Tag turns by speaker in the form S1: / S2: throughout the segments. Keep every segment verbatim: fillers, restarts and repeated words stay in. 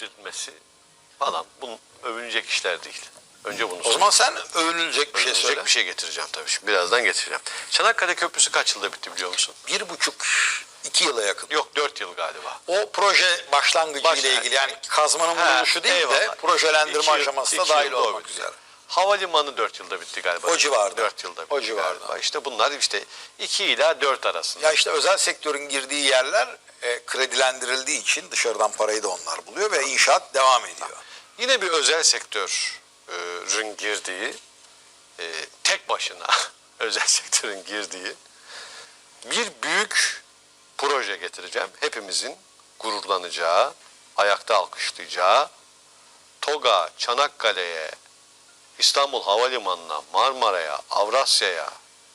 S1: getirilmesi falan bunun övünecek işler değil. Önce bunu
S2: O zaman sen övünülecek bir şey
S1: övünecek
S2: söyle.
S1: bir şey getireceğim tabii. Şimdi birazdan getireceğim. Çanakkale Köprüsü kaç yılda bitti biliyor musun?
S2: Bir buçuk, iki yıla yakın.
S1: Yok dört yıl galiba.
S2: O proje başlangıcı
S1: Baş-
S2: ile ilgili yani kazmanın
S1: Ha,
S2: bulunuşu değil de
S1: eyvallah.
S2: projelendirme
S1: İki yıl-
S2: aşamasında
S1: iki
S2: dahil
S1: yılda o
S2: olmak
S1: bitti.
S2: üzere.
S1: Havalimanı dört yılda bitti galiba.
S2: O civarda.
S1: Dört yılda bitti
S2: O civarda.
S1: galiba. İşte bunlar işte iki ila dört arasında.
S2: Ya işte özel sektörün girdiği yerler e, kredilendirildiği için dışarıdan parayı da onlar buluyor ve inşaat devam ediyor.
S1: Yine bir özel sektörün girdiği, e, tek başına özel sektörün girdiği bir büyük proje getireceğim. Hepimizin gururlanacağı, ayakta alkışlayacağı, TOG'a, Çanakkale'ye, İstanbul Havalimanı'na, Marmara'ya, Avrasya'ya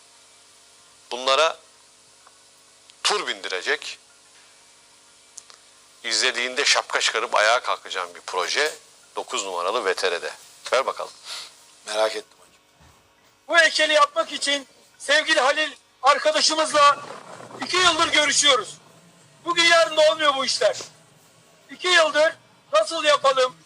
S1: bunlara tur bindirecek, izlediğinde şapka çıkarıp ayağa kalkacağım bir proje dokuz numaralı V T R'de. Ver bakalım.
S2: Merak ettim hocam.
S3: Bu heykeli yapmak için sevgili Halil arkadaşımızla iki yıldır görüşüyoruz. Bugün yarın da olmuyor bu işler. İki yıldır nasıl yapalım?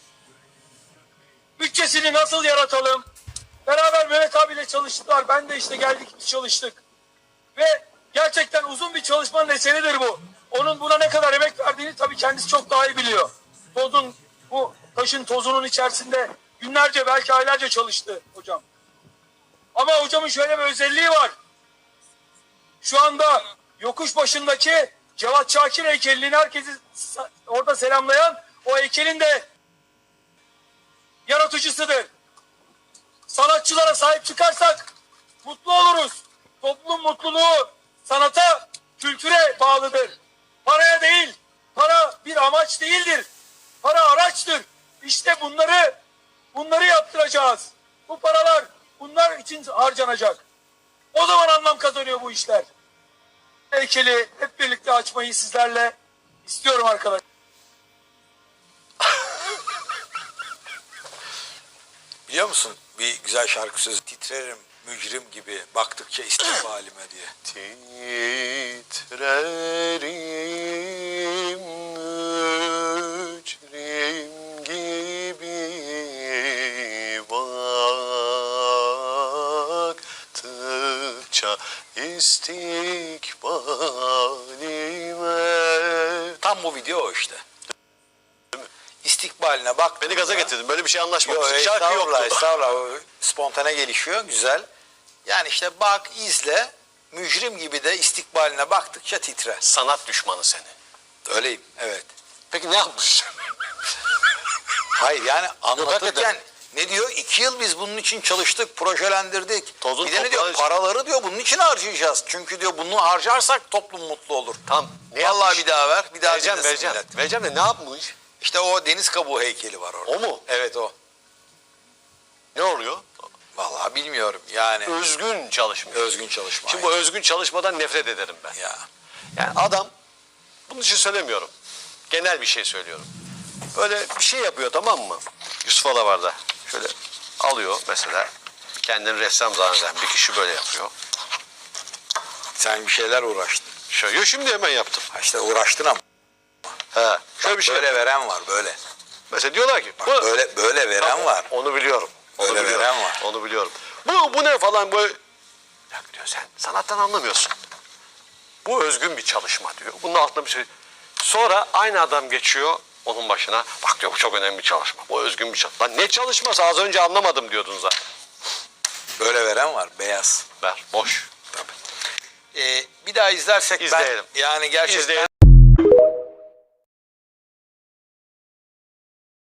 S3: Bütçesini nasıl yaratalım? Beraber Mehmet abiyle çalıştılar. Ben de işte geldik çalıştık. Ve gerçekten uzun bir çalışmanın eseridir bu. Onun buna ne kadar emek verdiğini tabii kendisi çok daha iyi biliyor. Tozun, bu taşın tozunun içerisinde günlerce belki aylarca çalıştı hocam. Ama hocamın şöyle bir özelliği var. Şu anda yokuş başındaki Cevat Şakir heykelini herkesi orada selamlayan o heykelin de yaratıcısıdır. Sanatçılara sahip çıkarsak mutlu oluruz. Toplum mutluluğu sanata, kültüre bağlıdır. Paraya değil, para bir amaç değildir. Para araçtır. İşte bunları bunları yaptıracağız. Bu paralar bunlar için harcanacak. O zaman anlam kazanıyor bu işler. Heykeli hep birlikte açmayı sizlerle istiyorum arkadaşlar.
S2: Biliyor musun bir güzel şarkı sözü? Titrerim mücrim gibi baktıkça istikbalime diye.
S1: Titrerim mücrim gibi baktıkça istikbalime.
S2: Tam bu video o işte. İstikbaline bak.
S1: Beni gaza getirdin. Böyle bir şey anlaşmamıştık.
S2: Yok,
S1: Şarkı
S2: estağfurullah,
S1: yoktu.
S2: estağfurullah. O spontane gelişiyor, güzel. Yani işte bak, izle, mücrim gibi de istikbaline baktıkça titre.
S1: Sanat düşmanı seni.
S2: Öyleyim, evet.
S1: Peki ne yapmış?
S2: Hayır yani anlatırken
S1: hakikaten.
S2: ne diyor? İki yıl biz bunun için çalıştık, projelendirdik.
S1: Tozun
S2: bir de ne diyor?
S1: toprağın-
S2: Paraları diyor bunun için harcayacağız. Çünkü diyor bunu harcarsak toplum mutlu olur.
S1: Tam. Ne
S2: Vallahi
S1: yapmış?
S2: bir daha ver, bir daha
S1: Vereceğim,
S2: dinlesin
S1: vereceğim.
S2: millet.
S1: Vereceğim de ne yapmış?
S2: İşte o deniz kabuğu heykeli var orada.
S1: O mu?
S2: Evet o.
S1: Ne oluyor?
S2: Vallahi bilmiyorum yani.
S1: Özgün çalışmış.
S2: Özgün çalışma.
S1: Şimdi bu özgün çalışmadan nefret ederim ben.
S2: Ya.
S1: Yani adam, bunun için söylemiyorum. Genel bir şey söylüyorum. Böyle bir şey yapıyor, tamam mı? Yusuf Alavar'da şöyle alıyor mesela. Kendini ressam zanneden bir kişi böyle yapıyor.
S2: Sen bir şeyler uğraştın.
S1: Şöyle yo, şimdi hemen yaptım.
S2: Ha işte uğraştın ama.
S1: He, şöyle
S2: Bak,
S1: bir şey
S2: böyle
S1: yapıyor.
S2: veren var böyle.
S1: Mesela diyorlar ki
S2: Bak,
S1: bu,
S2: böyle böyle veren
S1: Tamam,
S2: var.
S1: Onu biliyorum. Onu
S2: Öyle
S1: biliyorum.
S2: veren var.
S1: Onu biliyorum. Bu, bu ne falan böyle. Ya diyor sen sanattan anlamıyorsun. Bu özgün bir çalışma diyor. Bunun altında bir şey. Sonra aynı adam geçiyor onun başına. Bak diyor bu çok önemli bir çalışma. Bu özgün bir çalışma. Lan ne çalışması az önce anlamadım diyordun zaten.
S2: Böyle veren var beyaz.
S1: Ver boş.
S2: Ee, bir daha izlersek
S1: İzleyelim.
S2: ben yani gerçekten
S1: İzleyelim.